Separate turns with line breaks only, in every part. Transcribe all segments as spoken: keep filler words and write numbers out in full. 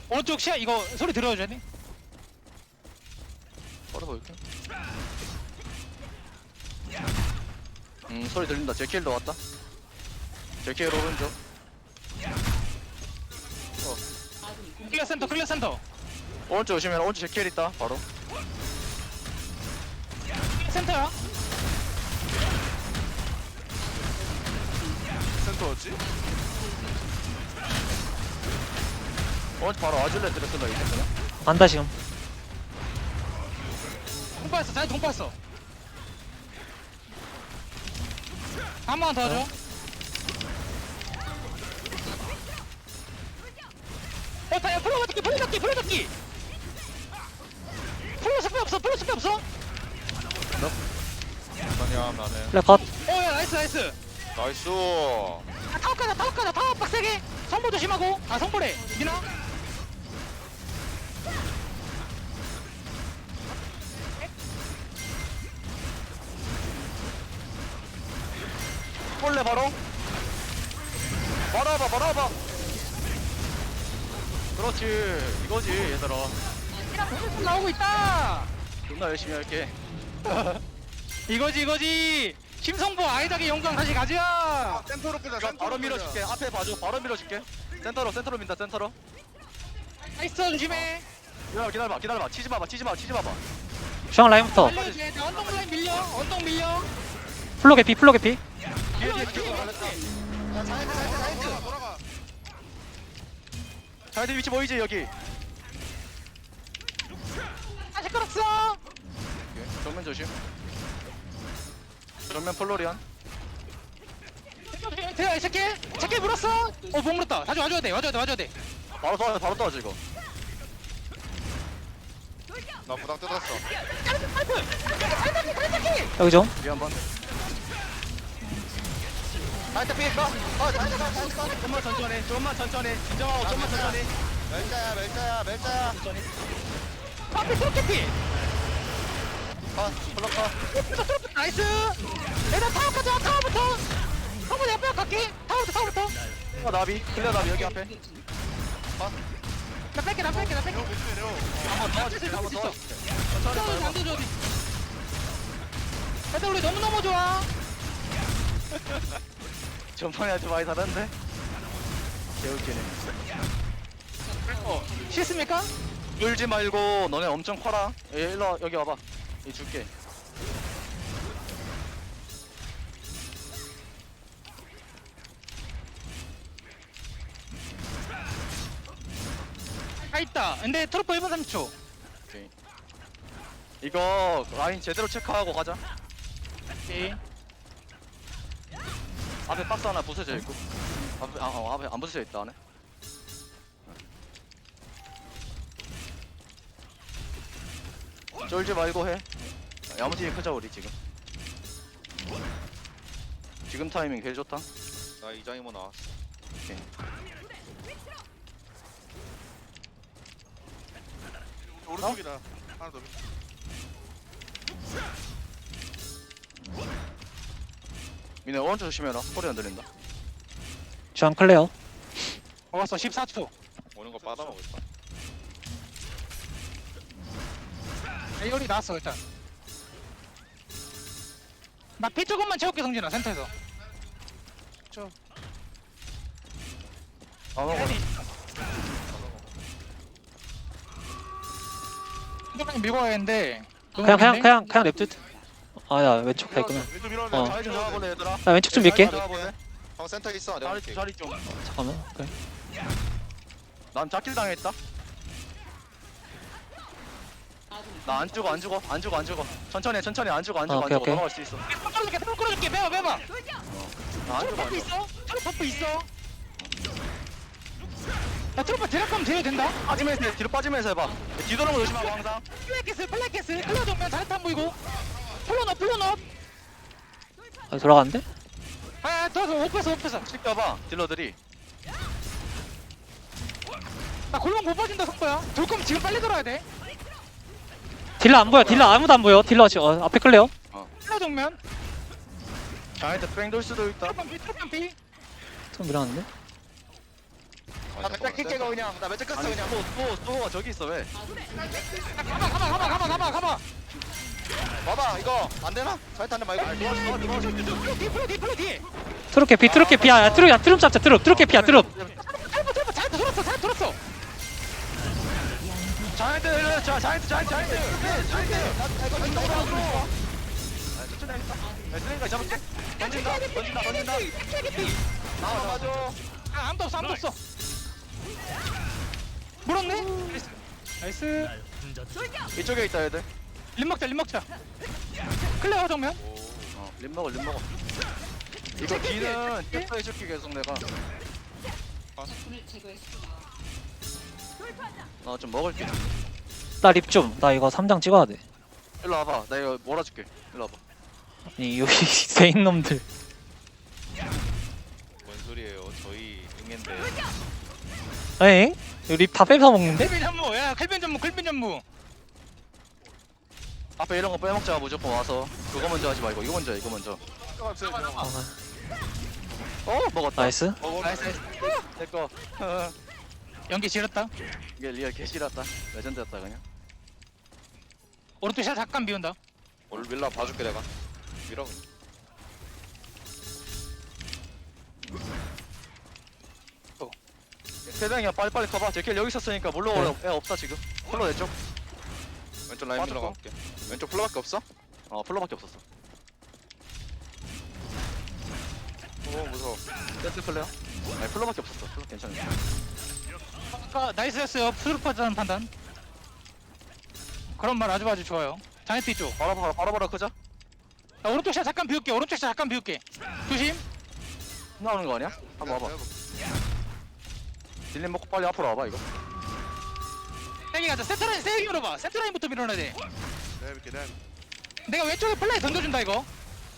오른쪽 시야 이거 소리 들어줘야 돼.
바로 볼게. 음 소리 들린다. 제킬도 왔다. 제킬 오른쪽.
클리어 센터 클리어 센터.
오른쪽 오시면 오른쪽 제킬 있다. 바로.
클리어 센터야.
센터였지?
오른쪽 바로 와줄래 드렸던가 이제 그냥.
안다 지금.
동파했어. 자기 동파했어. 한 번만 더 하죠. 어, 다, 야, 풀어 잡기, 풀어 잡기, 풀어 잡기. 풀어 스페 없어, 풀어 스페 없어. 어,
아니야 나는
플레 컷.
야, 나이스, 나이스.
나이스.
아, 타워 가자, 타워 가자, 타워 빡세게. 성보 조심하고. 아, 성보래. 미나.
볼래 바로. 바로 와봐 바로 와봐. 그렇지 이거지 얘들아.
미나 공격 나오고 있다.
존나 열심히 할게.
이거지, 이거지. 심성보 아이작의 영광 다시 가자.
센터로 끄자.
자,
센터로
바로
끄자.
밀어줄게. 앞에 봐줘. 바로 밀어줄게. 센터로 센터로 민다 센터로.
나이스, 조심해.
기다려 기다려봐 기다려봐. 치지 마봐 치지 마 치지 마봐.
중앙 라인부터.
밀려야 돼. 나 언덕 라인 밀려. 언덕 밀려.
플로 개피 플로 개피.
뒤에 뒤에 뒤에.
돌아가 돌아가.
자이들 위치 보이지 여기.
아, 시끄럽어.
오케이, 정면 조심. 정면 플로리안.
대야, 이 새끼. 새끼 물었어. 어, 못 물었다. 다시 와줘야 돼. 와줘야 돼. 와줘야 돼.
바로 떠 바로 떠 이거.
나 부당 뜯었어.
여기 좀.
뒤에 한번. 자이들 피해가. 어 자이들 가 자이들 가. 좀만 천천히. 좀만 천천히. 진정하고 좀만 천천히.
멜자야 멜자야 멜자야.
천천히.
앞에 트로켓피.
아 플럭카.
나이스. 얘들 타워 가자. 타워부터. 한번 옆에 갈게. 타워부터 타워부터.
어 나비. 클리어 나비 여기 앞에.
나 뺄게 나 뺄게 나 뺄게.
내려 조심해 내려.
한번 도와줄게. 한번 도와줄게. 천천히
안
봐.
되죠 어디. 얘들 우리 너무 너무 좋아.
전판에 아주 많이 다른데? 개웃기네.
어, 싫습니까?
울지 말고 너네 엄청 커라. 예, 일로 와, 여기 와봐. 이 줄게.
아 있다. 근데 트로퍼 일 분 삼십 초.
오케이. 이거 라인 제대로 체크하고 가자.
오케이.
앞에 박스 하나 부서져 있고. 앞에 아, 어, 앞에 안 부서져 있다 안에. 쫄지 말고 해. 야무지게 크자 우리 지금. 지금 타이밍 개 좋다.
나 이장이모 나왔어.
오케이.
오른쪽이다. 하나 더.
미네 오른쪽 조심해라. 소리 안 들린다.
중앙 클레어.
먹었어 십사 초.
오는 거 받아먹을까?
에이올이 나왔어 일단. 나 피 조금만 채울게 성진아 센터에서.
아 먹어.
이거까지 밀고 가야겠는데.
그냥 그냥 그냥 그냥 냅둬. 아야 왼쪽 갈 거면.
왼쪽 밀어내.
어.
자리 좀 잡아볼래 얘들아.
나 왼쪽 좀 밀게.
자리 잡아볼래?
형 센터 있어. 내가
자리,
볼게.
자리 좀.
잠깐만. 그래.
난 잡길 당했다. 나 안 죽어 안 죽어 안 죽어 안 죽어. 천천히 해, 천천히 안 죽어 안 죽어
아,
안
오케이,
죽어.
오케이.
넘어갈 수 있어.
트로 끌어줄게 트로 끌어줄게 빼봐 빼봐.
나 안 죽어 안
트로퍼
죽어.
있어? 트로퍼 있어? 야 트로퍼 드랍하면 제어도 된다?
빠지면서 해, 뒤로 빠지면서 해봐. 뒤도는 거 조심하고 항상.
플랫캐슬 플랫캐슬 클리어 정면 자리탄 보이고 플로너 플로너.
아, 돌아가는데?
아 더서 오프에서 오프에서.
시켜봐 딜러들이.
나 골반 못 빠진다 속보야. 돌 거면 지금 빨리 돌아야 돼.
딜러 안 보여. 딜러 아무도 안 보여. 딜러 지금 어, 앞에 클레어.
클리어 정면.
자한테 뺑 돌 수도 있다.
트로퍼 피 트로퍼 피.
좀 밀어놨는데?
나 몇장 킬게가 그냥 나 몇장 깠어 그냥 또또 또가 저기 있어 왜
가봐 가봐 가봐 가봐 가봐 가봐.
봐봐 이거 안 되나? 잘 타는 말고.
플로 뒤 플로 뒤 플로 뒤.
트럭 개피 트럭 개피야 야 트럭 야 트럭 잡자 트럭 트럭 개피야 트럭
잘못 잘못 잘 들었어 잘 들었어.
자이언트 자 자이언트 자이언트 자이언트 자이언트 나 이거 진짜 오라고 아 천천히 하겠다 야 쓰레기까지 잡을게 던진다 던진다 던진다 나와 나와줘
아 아무도 없어 아무도 없어. 물었네. 나이스.
이쪽에 있다 얘들
림 먹자 림 먹자. 클레어 정면.
어, 립 먹어 립 먹어 이거 뒤는 캡터 해줄게 계속 내가 나 좀 먹을게
나 립 좀 나 이거 삼 장 찍어야 돼
일로 와봐 나 이거 몰아줄게 일로 와봐
아니 여기 세인 놈들
뭔 소리예요? 저희 응인데.
에잉? 립 다 뺏어 먹는데?
클빈 전무 야 클빈 전무 클빈 전무.
앞에 이런 거 빼먹자 무조건 와서 그거 먼저 하지 말고 이거 먼저 해, 이거 먼저 어 먹었다
나이스
나이스 나이스 내꺼
연기 지렸다.
이게 리얼 개시랐다 레전드였다 그냥
오른쪽 샷 잠깐 비운다.
오늘 밀라 봐줄게 내가. 밀어.
세상이야 빨리빨리 가봐 제킬 여기 있었으니까 물러오라 애 없다 지금 플로 내쪽
왼쪽 라인
빠졌고.
밀러 갈게. 왼쪽 플러밖에 없어?
어 플로밖에 없었어
오 무서워.
세트 플레어 아니 플로밖에 없었어 플로 괜찮아
아까 나이스였어요. 푸드파자는 판단. 그런 말 아주 아주 좋아요. 자이트 쪽.
바로 바로 바로 바로 크자
나 오른쪽 샷 잠깐 비울게. 오른쪽 샷 잠깐 비울게. 조심.
나오는 거 아니야? 한번 와봐 딜림 먹고 빨리 앞으로 와봐 이거
세게 가자. 세트라인 세게 밀어봐. 세트라인부터 밀어놔야 돼.
내볼게 내.
내가 왼쪽에 플라이 던져준다 이거.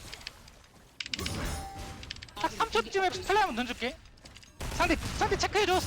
딱 삼 초쯤에 플라이 한번 던질게. 상대 상대 체크해줘.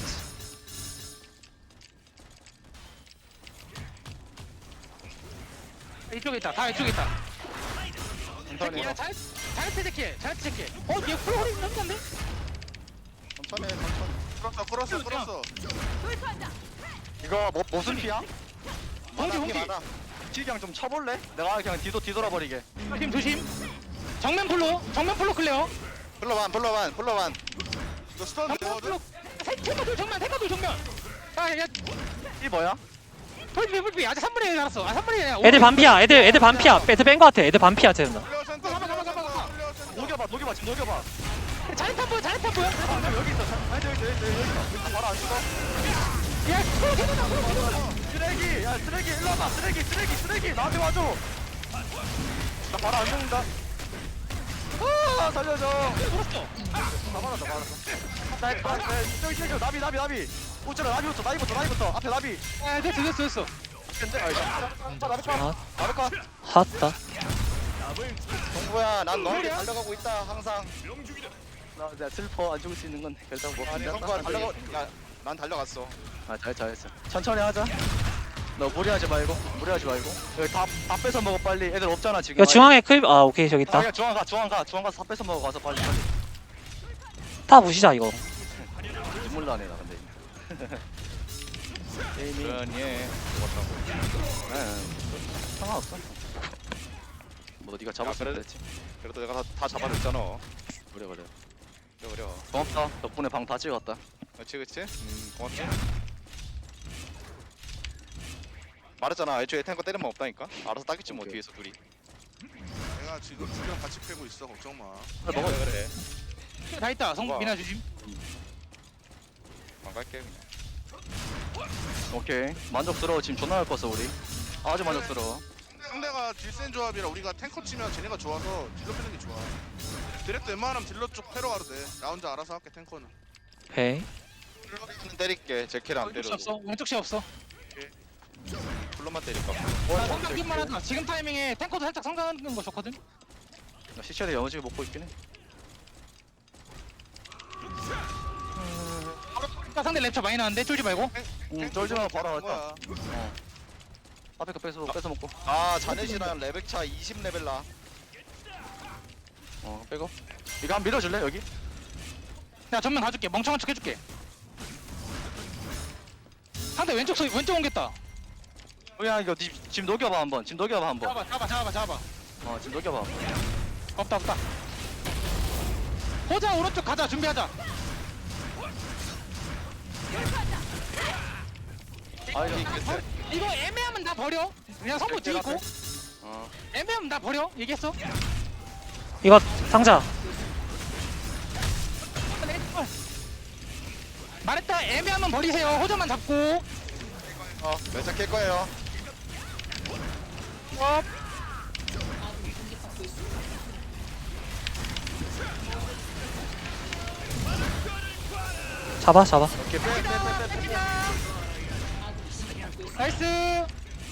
이쪽에 있다. 다 이쪽에 있다.
천천히
야 잘, 잘트 체크해. 잘트 체크해. 어, 얘 풀허리 넘는데?
천천히 해, 천천히. 풀었어 풀었어 풀었어.
이거 뭐, 무슨 피야?
홍기 홍기.
딜 좀 쳐볼래? 내가 그냥 뒤도 뒤돌아버리게
조심 조심. 정면 풀로. 정면 풀로 클레어.
플러반 플러반 플러반. 이거 스턴
정면
되거든?
풀로. 세카돌 정면. 세카돌 정면. 아, 야,
이 뭐야?
풀비 풀비. 아직 삼 분의 일 알았어. 아, 삼 분의 일.
애들 반피야 애들 애들 반피야 애들 뺀거 같아 애들 반피야 쟤는
플레어 센터.
가봐, 가봐, 가봐, 가봐.
플레어 센터.
녹여봐 녹여봐 지금 녹여봐
잘했다 보여. 잘했다 보여.
아 여기 있어 아니 여기 여기 여기 여기 있어 바로 안 죽어
야, 풀로 개는다. 풀로 개는다.
쓰레기 야 쓰레기 일로 와봐 쓰레기 쓰레기 쓰레기 나한테 와줘 나 바로 안 죽는다 아 살려줘
풀었어.
다 받았다 받았어 나 이거 나 저기 저기 나비 나비 나비 오쩌라 나비부터 나비부터 나비부터 앞에 나비
아, 됐어 됐어 됐어.
근데 아 이거 자 나비 까
아
나비 까
핫다
동구야 난 너한테 달려가고 있다 항상.
나 내가 슬퍼 안 죽을 수 있는 건데 결국 뭐
아니 동구야 달려가. 야난 달려갔어.
아잘 잘했어 천천히 하자 너 무리하지 말고 무리하지 말고 여기 다, 다 뺏어 먹어 빨리 애들 없잖아 지금
이거 중앙에 클립 아 오케이 저기
아
있다
그냥 중앙 가 중앙 가 중앙 가서 다 뺏어 먹어 가서 빨리 빨리
다 부시자 이거
눈물 나네 나 근데 게임이
그러니 죽었다고.
네, 상관없어 뭐 네가 잡았으면
그래.
됐지
그래도 내가 다, 다 잡아줬잖아.
그래 그래
그래 그래.
고맙다 덕분에 방 다 찍었다
그렇지 그렇지. 음 고맙지. 말했잖아 애초에 탱커 때리면 없다니까. 알아서 따겠지 뭐
오케이.
뒤에서 둘이.
내가 지금 두명 같이 패고 있어 걱정 마.
그래 먹어
그래 그래.
다 있다. 성
우와.
미나 조심.
안 갈게 그냥.
오케이 만족스러워 지금 존나 할 거어 우리 아주 만족스러워
상대가 딜센 조합이라 우리가 탱커 치면 쟤네가 좋아서 딜러 패는 게 좋아. 드랙도 웬만하면 딜러 쪽 패러 가도 돼. 나 혼자 알아서 할게 탱커는.
오케이
플러만 때릴게. 제킬 안
왼쪽 시
때려도.
없어. 왼쪽 시 없어.
플러만 때릴까.
나 성장 만 하자. 지금 타이밍에 탱커도 살짝 성장하는 거 좋거든.
나 시체를 영어지게 먹고 있긴 해
나 상대 랩차 많이 나는데 쫄지 말고.
응, 쫄지 말고 바로
한
왔다
거야.
앞에 거 뺏어, 뺏어 먹고
아 자넷이랑 레벨 차 이십 레벨 나.
어 빼고 이거 한번 밀어줄래 여기?
내가 전면 가줄게. 멍청한 척 해줄게. 상대 왼쪽 소 왼쪽 옮겼다.
야 이거 니, 지금 녹여봐 한번 지금 녹여봐 한번
잡아 잡아 잡아 잡아.
어 지금 녹여봐
없다 없다. 호자 오른쪽 가자 준비하자.
아 이거
이거 애매하면 나 버려. 그냥 성부 뒤 있고.
어
애매하면 나 버려. 얘기했어.
이거 상자.
말했다. 애매하면 버리세요. 호자만 잡고.
어 매차 깰 거예요.
어.
잡아 잡아.
오케이 빼빼빼빼.
나이스.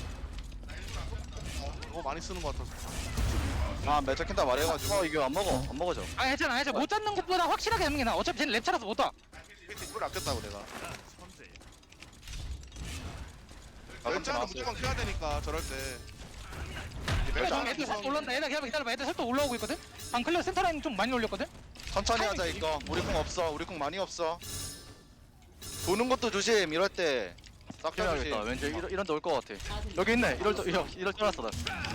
너무 많이 쓰는 것 같아서.
아 매차 깬다 말해가지고.
어 이거 안 먹어 안 먹어져
아 괜찮아 괜찮아. 못 잡는 것보다 확실하게 하는 게 나아. 어차피 쟤는 랩 차라서 못 와.
이걸 아꼈다고 내가.
가끔
왼쪽은
나왔어요.
무조건 켜야 되니까 저럴 때.
그래,
왼쪽
애들 살 올랐다. 애들 기다려봐 기다려봐. 애들 살도 올라오고 있거든. 방 클리어 센터 라인 좀 많이 올렸거든.
천천히 하자 이거. 우리 궁 없어. 우리 궁 많이 없어. 도는 것도 조심. 이럴 때. 싹 다 조심.
해야겠다 왠지 이런 이런 데올 것 같아 여기 있네 이럴 때 이럴 이럴 줄 알았어 나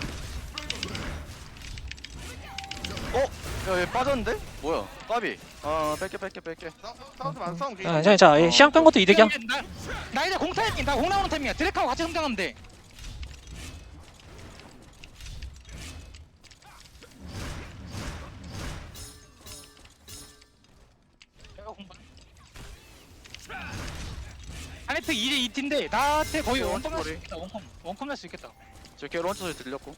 어? 야얘 빠졌는데? 뭐야 까비 어 뺄게 뺄게 뺄게
싸우지 안 싸우면
아, 괜찮아 괜찮아. 이 시간 끈 것도 이득이야.
나, 나 이제 공 타이밍. 나공 나오는 타이밍이야. 드랙하고 같이 성장하면 돼. 아네트 이제 이 팀인데 나한테 거의
어,
원컴 날수
머리.
있겠다. 원컴 원컴 날수 있겠다.
저 걔 런처 소리 들렸고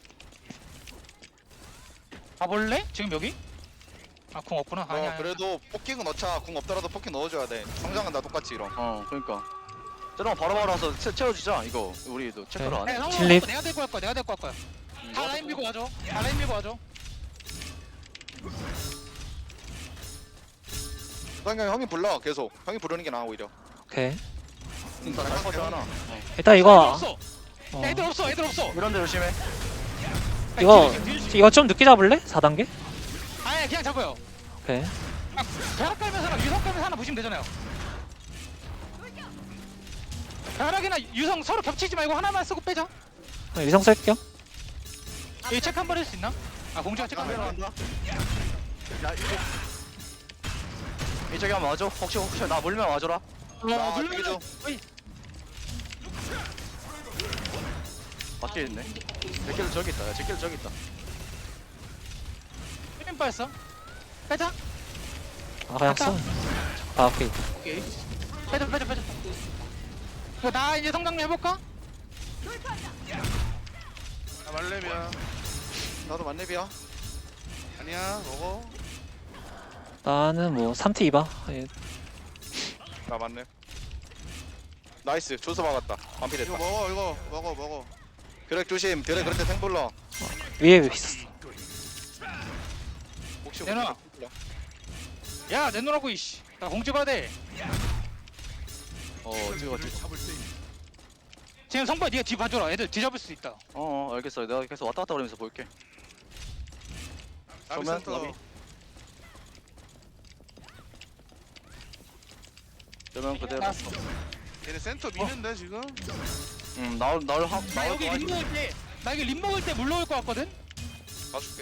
가볼래? 지금 여기? 아 공 없구나.
어
아니야.
그래도 포킹은 넣자. 궁 없더라도 포킹 넣어줘야 돼. 성장은 다 똑같이 이런.
어 그러니까 저런 거 바로바로 와서 채, 채워주자 이거 우리도 체크를
네.
안해
네, 성공
진립.
없고 내가 데리고 갈 거야. 내가 데리고 갈 거야. 다 라인 밀고 와줘. 다 라인 밀고 와줘.
그냥 형이 불러 계속. 형이 부르는 게 나아 오히려.
오케이.
잘 퍼져 하나
일단
애들
이거
없어.
어,
애들 없어. 애들 없어.
이런 데 조심해
이거
뒤에, 뒤에, 뒤에.
이거 좀 늦게 잡을래? 사 단계?
아니 그냥 잡아요.
오케이.
벼락 깔면서 하나 유성 깔면서 하나 보시면 되잖아요. 벼락이나 유성 서로 겹치지 말고 하나만 쓰고 빼자.
어, 위성 쓸게요.
이 체크 한 번 할 수 있나? 아 공주가 체크 한번
카메라 한다 야 이거 이쪽에 한번 와줘 혹시 혹시 나 물면 와줘라
어
아,
누르면
되게 좀.
어이
밖에 있네 제길 저기 있다 야 제길 저기 있다
힘 빠졌어. 빼자.
아 그냥 써. 아 오케이.
오케이. 빼자 빼자 빼자. 이거 나 이제 성장 해볼까?
나 말렙이야.
나도 만렙이야.
아니야 먹어.
나는 뭐 삼 티 이바. 예,
나 만렙. 나이스. 조수 막았다.
이거
반피됐다.
먹어 이거 먹어 먹어.
드랙 조심. 드랙 그럴 때 탱 불러.
위에 있었어.
혹시
내놔.
혹시 불러.
야 내놓으라고 이씨. 나 공 찍어야 돼.
어 찍어 찍어
지금 성부야 네가 뒤 봐줘라. 애들 뒤잡을 수 있다.
어 알겠어 내가 계속 왔다 갔다 그러면서 볼게
나비
그러면
센터.
나비. 그러면 그대로
나왔어.
얘네 센터 미는데 지금.
음 나올 나올 하
나
나올
여기
거
림 먹을 때, 나 여기 림 먹을 때 물러올 것 같거든?
봐줄게.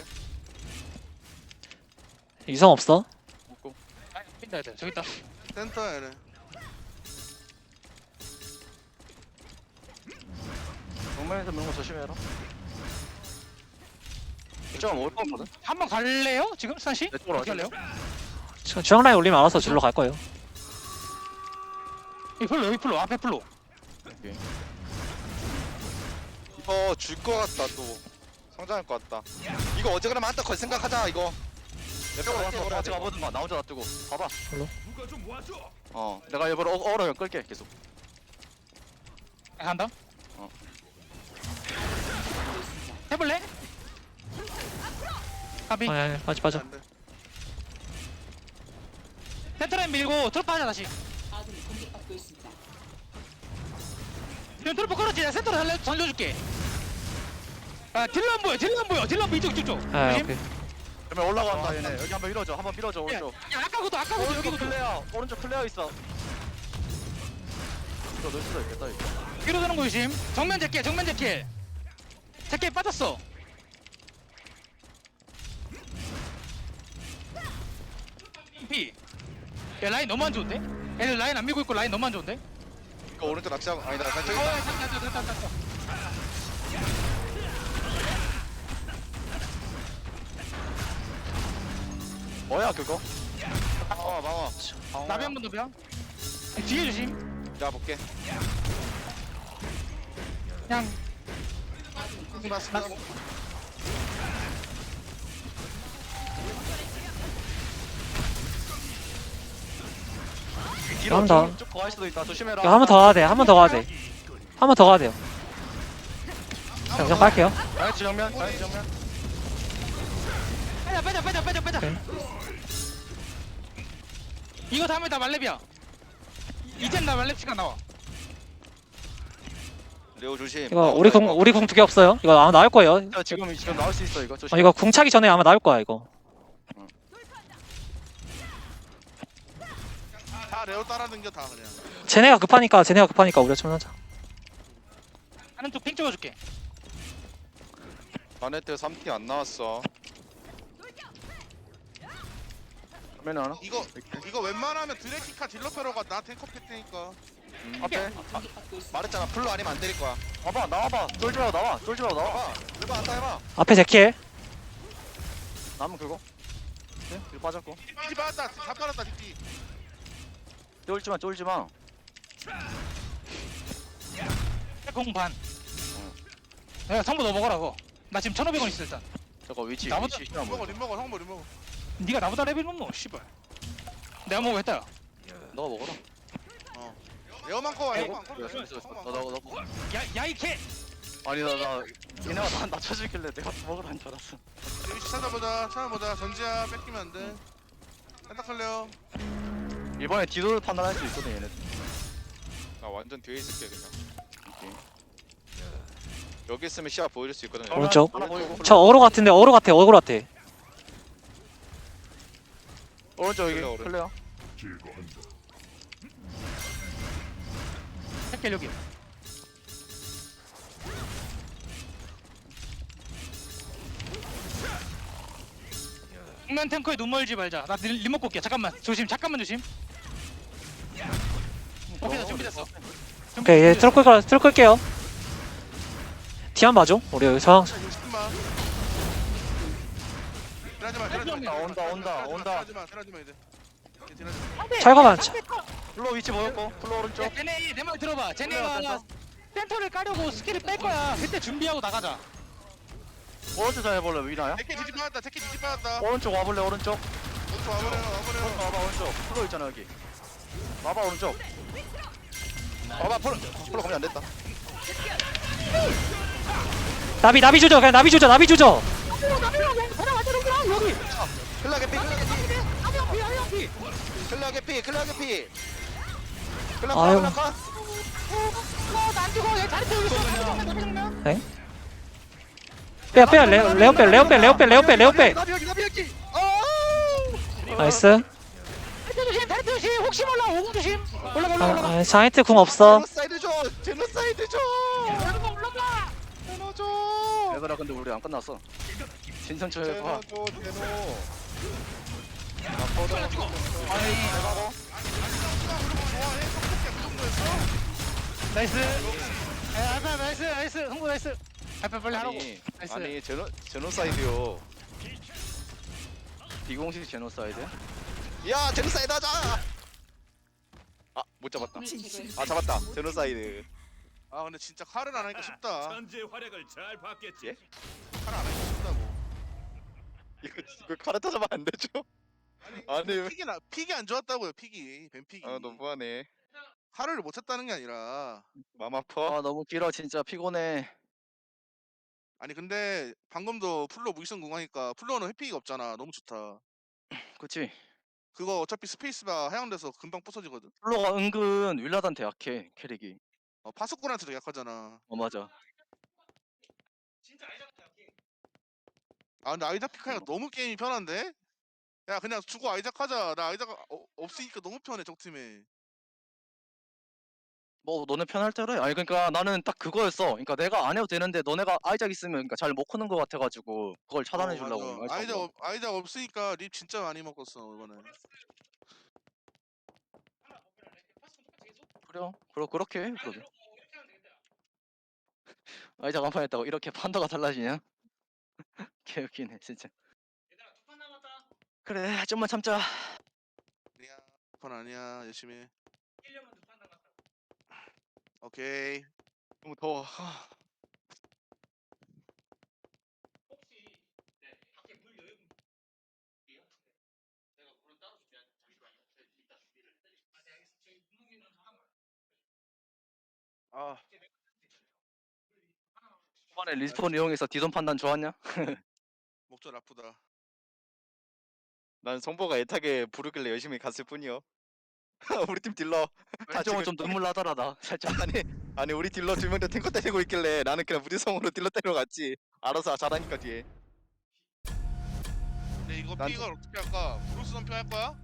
위성 없어.
먹고
아, 핀다, 애들. 저기 있다.
센터 얘네.
정면에서 미는 거 조심해라 이쪽은 올거 같거든
한 번 갈래요? 지금, 수산씨?
내 쪽으로
어떻게
와줄래?
할래요?
주- 중앙 라인 올리면 알아서 줄로 갈 거예요.
여기 풀로, 여기 풀로, 앞에 풀로.
이거 줄 것 같다 또. 성장할 것 같다. 이거 어제 그러면 한타 걸 생각하자 이거.
이쪽으로 와서 같이 가보든가 나 혼자 놔두고 봐봐
별로?
어 내가 일부러 어, 어그로 끌게 계속
간다.
어.
해볼래? 가비.
아, 아, 빠져 빠져.
안 돼.
센터라인 밀고 트로프 하자, 다시. 지금 트로프 끌었지? 내가 센터로 살려, 살려줄게. 아, 딜러 안 보여, 딜러 안 보여, 딜러 안 보여, 이쪽, 이쪽, 이쪽.
아
조심.
오케이.
그러면 올라간다 얘네 여기 한번 밀어줘 한번 밀어줘
야,
오른쪽
야, 아까부터, 아까부터,
오른쪽
여기부터.
클레어 오른쪽 클레어 있어 이거 넣을 수도 있겠다 이거.
뒤로 드는 거 조심. 정면 제킬 정면 제킬. 제킬 빠졌어. 피. 야 라인 너무 안 좋은데? 애들 라인 안 밀고 있고 라인 너무 안 좋은데?
이거 오른쪽 낚시하고 아니다. 나 저기
어,
있다.
됐다, 됐다, 됐다, 됐다.
뭐야 그거?
방어 방어.
나비 한 번 더 벼. 뒤에 조심.
자 볼게.
그냥
맞습니다.
뒤로
한 번 더.
쭉쭉 갈 수도 있다. 조심해라.
이거 한 번 더 가야 돼. 한 번 더 가야 돼. 한 번 더 가야 돼요. 자, 그냥 갈게요.
자이트 정면. 자이트 정면.
빼자 빼자 빼자 빼자 빼자.
오케이.
이거 다음에 다 말렙이야. 이젠 나 말렙 시간 나와.
레오 조심.
이거 우리 공 우리 공 두 개 없어요. 이거 아마 나올 거예요.
야, 지금 지금 나올 수 있어 이거. 조심.
어, 이거 궁 차기 전에 아마 나올 거야 이거.
다 레오 따라다녀 다 그냥.
쟤네가 급하니까 쟤네가 급하니까 우리가 좀 하자.
하는 쪽 핑 찍어줄게.
바네트 삼 티 안 나왔어.
정면 하나.
이거 이거 웬만하면 드래키카 딜러페로가 나 탱커 팰 테니까.
음.
앞에.
말했잖아. 풀로 아니면 안 때릴 거야.
와봐 나와봐. 쫄지 말고 나와. 쫄지 말고 나와.
봐봐. 해봐 한다 해봐.
앞에 제킬.
남은 그거. 네? 뒤로 빠졌고.
뒤지 빠졌다. 다 빠졌다 뒤지.
쫄지 마. 쫄지 마.
공 반. 야 성부 너 먹어라 그거. 나 지금 천오백 원 있어 일단.
저거 위치.
나보다-
위치.
림 먹어 림 먹어 형 먹어 림 먹어.
네가 나보다 레벨 높노 씨발. 내가 먹어했다.
너가 먹어라.
레오만 커.
에이,
레오만 커.
있어 있어 있어. 너너 너.
야야이 개.
아니 나나 얘네가 나 낮춰주길래 내가 먹으라는 줄 알았어.
위치 찾아보자. 찾아보자. 전지야 뺏기면 안 돼. 생각할래요.
이번에 뒤돌 판단할 수 있거든 얘네.
나 완전 뒤에 있을게 그냥. 여기 있으면 시야 보여줄 수 있거든.
정면
오른쪽.
하나 보이고.
저 어로 같은데 어로 같아 어로 같아.
오른쪽 여기
클레어,
클레어.
새끼 여기. 정면 탱커에 눈 멀지 말자. 나 리- 리모컨 올게. 잠깐만. 조심. 잠깐만 조심. 오케이 나 준비됐어.
오케이 얘 트럭 끌 트럭 끌게요. 뒤 한 봐줘. 우리 여기 상
육십만. 딜하지 마. 딜하지 마.
온다, 온다, 온다, 온다.
딜하지 마. 딜하지 마 이제. 이제 딜하지 마.
철거만.
플로 위치 보였고 플로 오른쪽.
야, 쟤네 내 말 들어봐.
올라와,
쟤네가
센터.
센터를 까려고 스킬을 뺄 거야. 그때 준비하고 나가자.
오른쪽 잘 해볼래 위나야?
제키 뒤집 빠졌다. 제키 뒤집 빠졌다.
오른쪽 와볼래 오른쪽.
오른쪽 와버려. 와버려.
오른쪽 와봐 오른쪽. 플로 있잖아 여기. 와봐 오른쪽.
봐봐 풀. 풀로 가면 안 됐다.
나비 나비 조져 그냥 나비 조져 나비 조져.
클라게 피 클라게 피. 클라게 피 클라게 피. 클라
아유.
클라 클라.
네? 빼야 빼야 레오 레오 빼 레오 빼 레오 빼 레오 빼 레오 빼.
나비 여기 나비 여기.
나이스.
조심. 다리 조심. 혹시 몰라. 오공 조심. 올라가 올라가 올라가.
아, 아 자이트 궁 없어.
제노사이드 줘. 제노사이드 줘.
올라가 올라가.
제노 줘.
얘들아 근데 우리 안 끝났어. 진성철
제노
해봐.
줘 제노.
나이스. 야, 아빠 나이스 나이스. 홍보 나이스. 아빠 빨리 하라고.
아니
나이스.
아니 제노 제노사이드요.
비공식 제노사이드.
야 제노사이드 하자. 아못 잡았다. 아 잡았다. 제노사이드.
아 근데 진짜 칼을 안 하니까 쉽다.
천재 활약을 잘 봤겠지.
예?
칼을 안 하니까 쉽다고.
이거 이거 카르타 잡으면 안 되죠? 아니 왜-
픽이 나 픽이 안 좋았다고요. 픽이 뱀 픽이.
아 너무하네.
칼을 못 쳤다는 게 아니라.
맘 아파.
아 너무 길어 진짜 피곤해.
아니 근데 방금도 플로 무기성 궁하니까 플로는 회피가 없잖아. 너무 좋다.
그치?
그거 어차피 스페이스바 하향돼서 금방 부서지거든.
플로가 은근 윌라단테 약해 캐릭이.
어, 파수꾼한테도 약하잖아.
어 맞아.
아 근데 아이작 피카가 너무 게임이 편한데? 야 그냥 주고 아이작 하자. 나 아이작 어, 없으니까 너무 편해 적팀에.
뭐 너네 편할 때래? 아니 그러니까 나는 딱 그거였어. 그러니까 내가 안 해도 되는데 너네가 아이작 있으면 그러니까 잘 못 크는 거 같아가지고 그걸 차단해 주려고.
어, 맞아. 아이작 없, 아이작 없으니까 립 진짜 많이 먹었어 이번에.
그래요. 그러 그렇게 해, 그러게. 아이작 한 판 했다고 이렇게 판도가 달라지냐? 개웃기네 진짜. 그래 좀만 참자.
아니야. 건 아니야. 열심히 해. 오케이.
너무 더워.
아,
이번에 리스폰 이용해서 디존 판단 좋았냐?
목줄 아프다.
난 성보가 애타게 부르길래 열심히 갔을 뿐이요. 우리 팀 딜러 다
왼쪽은
지금
좀 눈물 나더라다 살짝.
아니 아니 우리 딜러 두 명 다 탱커 때리고 있길래 나는 그냥 무리성으로 딜러 때리러 갔지. 알아서 잘하니까 뒤에.
근데 이거
난-
픽을 어떻게 할까? 브루스 선표 할 거야?